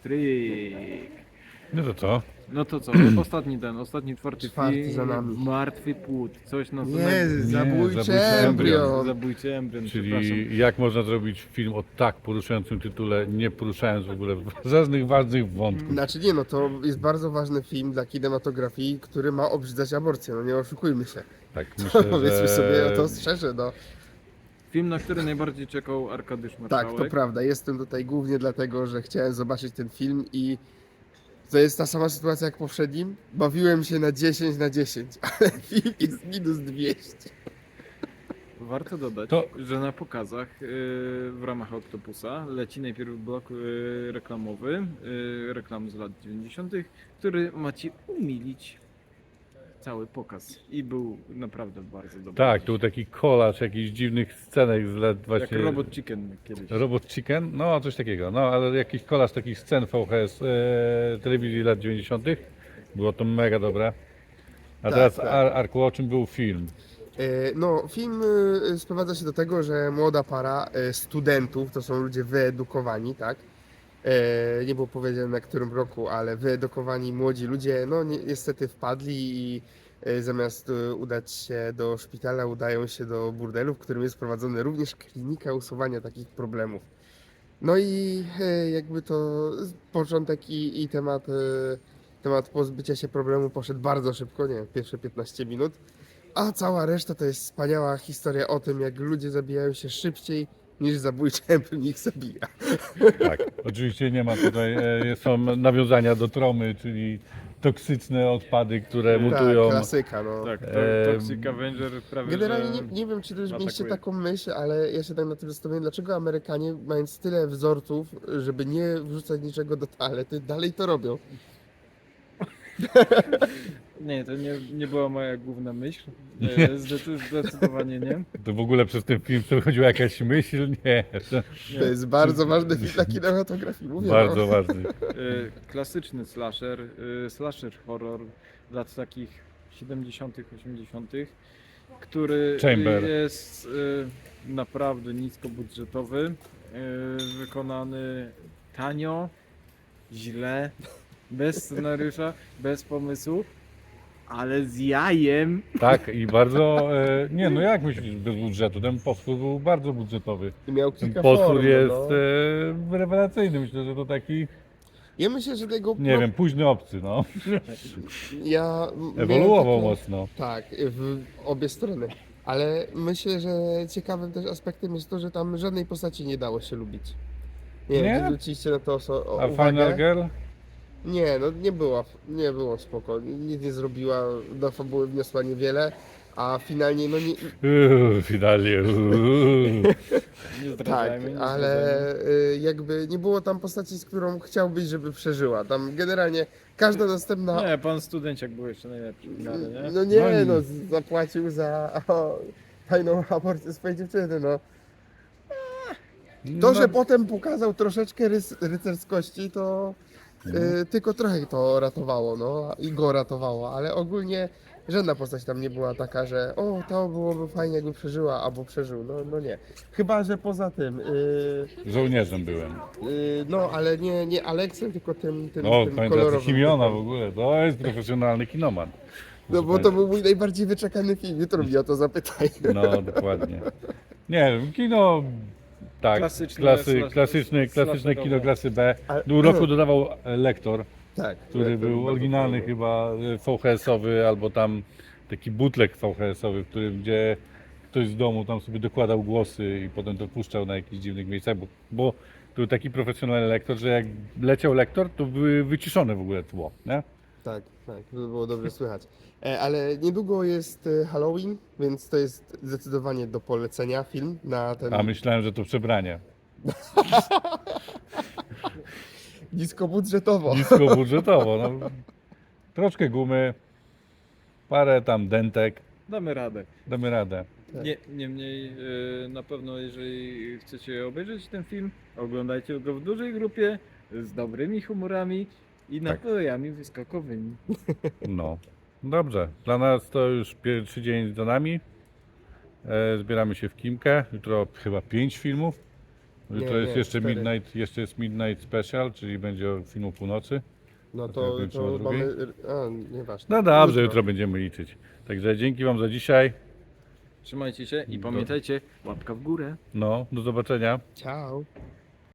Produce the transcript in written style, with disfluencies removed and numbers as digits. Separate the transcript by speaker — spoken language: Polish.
Speaker 1: stryk.
Speaker 2: No to co?
Speaker 1: No to co, ostatni czwarty
Speaker 3: Czwarty
Speaker 1: film,
Speaker 3: za nami.
Speaker 1: Martwy płód, coś na to
Speaker 3: Nie, zabójczy
Speaker 2: zabójczy
Speaker 3: embrion.
Speaker 1: Zabójczy embrion, przepraszam.
Speaker 2: Czyli jak można zrobić film o tak poruszającym tytule, nie poruszając w ogóle żadnych ważnych wątków.
Speaker 3: Znaczy nie, no to jest bardzo ważny film dla kinematografii, który ma obrzydzać aborcję, no nie oszukujmy się.
Speaker 2: Tak, myślę,
Speaker 3: Powiedzmy
Speaker 2: że...
Speaker 3: sobie to szczerze, no.
Speaker 1: Film, na który najbardziej czekał Arkadiusz Marszałek.
Speaker 3: Tak, to prawda. Jestem tutaj głównie dlatego, że chciałem zobaczyć ten film i to jest ta sama sytuacja jak poprzednim. Bawiłem się na 10 na 10, ale film jest minus 200.
Speaker 1: Warto dodać,
Speaker 2: To-
Speaker 1: że na pokazach w ramach Octopusa leci najpierw blok reklamowy, reklam z lat 90., który ma ci umilić cały pokaz. I był naprawdę bardzo dobry.
Speaker 2: Tak, to był taki kolaż jakichś dziwnych scenek z lat
Speaker 1: Jak
Speaker 2: właśnie...
Speaker 1: Robot Chicken kiedyś.
Speaker 2: Robot Chicken? No, coś takiego. No, ale jakiś kolaż takich scen VHS telewizji lat 90. Było to mega dobre. A
Speaker 3: Tak,
Speaker 2: teraz,
Speaker 3: tak.
Speaker 2: Arku, o czym był film?
Speaker 3: No, film sprowadza się do tego, że młoda para studentów, to są ludzie wyedukowani, tak? Nie było powiedziane na którym roku, ale wyedukowani młodzi ludzie, no niestety wpadli i zamiast udać się do szpitala, udają się do burdelu, w którym jest prowadzona również klinika usuwania takich problemów. No i jakby to początek i temat pozbycia się problemu poszedł bardzo szybko, nie wiem, pierwsze 15 minut. A cała reszta to jest wspaniała historia o tym, jak ludzie zabijają się szybciej niż zabójczy embrion ich zabija.
Speaker 2: Tak, oczywiście nie ma tutaj, są nawiązania do tromy, czyli toksyczne odpady, które mutują.
Speaker 3: Tak, klasyka, no.
Speaker 1: Tak,
Speaker 2: Em,
Speaker 1: Toxic Avenger prawie
Speaker 3: Generalnie
Speaker 1: że...
Speaker 3: nie wiem, czy też mieliście
Speaker 1: atakuje.
Speaker 3: taką myśl, ale ja się tak na tym zastanawiam, dlaczego Amerykanie, mając tyle wzorców, żeby nie wrzucać niczego do toalety, dalej to robią.
Speaker 1: Nie, to nie była moja główna myśl. Zdecydowanie nie.
Speaker 2: To w ogóle przez ten film przechodziła jakaś myśl? Nie,
Speaker 3: To jest bardzo ważny film dla kinematografii, mówię.
Speaker 2: bardzo ważny.
Speaker 1: Klasyczny slasher horror lat takich 70., 80., który
Speaker 2: Chamber.
Speaker 1: jest naprawdę niskobudżetowy, wykonany tanio, źle, bez scenariusza, bez pomysłu, ale z jajem.
Speaker 2: Tak, i bardzo, nie no jak myślisz bez budżetu? Ten potwór był bardzo budżetowy.
Speaker 3: I miał
Speaker 2: Ten
Speaker 3: kilka
Speaker 2: potwór
Speaker 3: form,
Speaker 2: jest
Speaker 3: no.
Speaker 2: rewelacyjny, myślę, że to taki,
Speaker 3: Ja myślę, że tego...
Speaker 2: nie wiem, późny obcy, no.
Speaker 3: Ja
Speaker 2: Ewoluował
Speaker 3: miałem takie-
Speaker 2: mocno.
Speaker 3: Tak, w obie strony. Ale myślę, że ciekawym też aspektem jest to, że tam żadnej postaci nie dało się lubić. Nie wiem,
Speaker 2: Nie?
Speaker 3: czy zwróciliście na to
Speaker 2: A
Speaker 3: uwagę?
Speaker 2: Final Girl?
Speaker 3: Nie, no nie było spoko. Nic nie zrobiła, do fabuły wniosła niewiele, a finalnie no nie...
Speaker 2: Finalnie.
Speaker 1: Nie
Speaker 3: Tak,
Speaker 1: zdradzajmy, nie
Speaker 3: ale
Speaker 1: zdradzajmy.
Speaker 3: jakby nie było tam postaci, z którą chciałbyś, żeby przeżyła. Tam generalnie każda następna...
Speaker 1: Nie, pan studenciak był jeszcze najlepszy w miarę, nie?
Speaker 3: No nie,
Speaker 2: No
Speaker 3: no zapłacił za tajną aborcję swojej dziewczyny, no. To,
Speaker 2: No,
Speaker 3: że potem pokazał troszeczkę rycerskości, to tylko trochę to ratowało, no i go ratowało, ale ogólnie żadna postać tam nie była taka, że o, to byłoby fajnie jakby przeżyła, albo przeżył, no nie. Chyba, że poza tym,
Speaker 2: żołnierzem byłem.
Speaker 3: no ale nie Aleksem, tylko tym
Speaker 2: No, pamiętacie
Speaker 3: kolorowym.
Speaker 2: Chimiona w ogóle, to jest profesjonalny kinoman.
Speaker 3: No bo to był mój najbardziej wyczekany film, jutro mnie o to zapytaj.
Speaker 2: No, dokładnie. Nie, kino, tak,
Speaker 1: Klasyczne,
Speaker 2: klasyczne
Speaker 1: slasherowe.
Speaker 2: kino klasy B.
Speaker 3: Ale-
Speaker 2: Do roku dodawał Lektor,
Speaker 3: Tak.
Speaker 2: który był oryginalny chyba VHS-owy, albo tam taki bootleg VHS-owy, w którym gdzie ktoś z domu tam sobie dokładał głosy i potem to puszczał na jakichś dziwnych miejscach, bo to był taki profesjonalny lektor, że jak leciał lektor, to były wyciszone w ogóle tło, nie?
Speaker 3: Tak, to było dobrze słychać. Ale niedługo jest Halloween, więc to jest zdecydowanie do polecenia film na ten
Speaker 2: A myślałem, że to przebranie.
Speaker 3: niskobudżetowo.
Speaker 2: Niskobudżetowo, no. Troszkę gumy, parę tam dentek,
Speaker 1: Damy radę.
Speaker 2: damy radę.
Speaker 3: Tak.
Speaker 1: Niemniej na pewno jeżeli chcecie obejrzeć ten film, oglądajcie go w dużej grupie, z dobrymi humorami i napojami wyskokowymi.
Speaker 2: No, dobrze. Dla nas to już pierwszy dzień za nami. Zbieramy się w Kimkę. Jutro chyba 5 filmów. Jutro jest jeszcze
Speaker 3: 4.
Speaker 2: Midnight, jeszcze jest Midnight Special, czyli będzie o filmu północy.
Speaker 3: No
Speaker 2: to
Speaker 3: to,
Speaker 2: kończymy o
Speaker 3: to
Speaker 2: drugiej?
Speaker 3: mamy... A, nieważne.
Speaker 2: No dobrze, jutro będziemy liczyć. Także dzięki wam za dzisiaj.
Speaker 1: Trzymajcie się i pamiętajcie, łapka w górę.
Speaker 2: No, do zobaczenia.
Speaker 3: Ciao.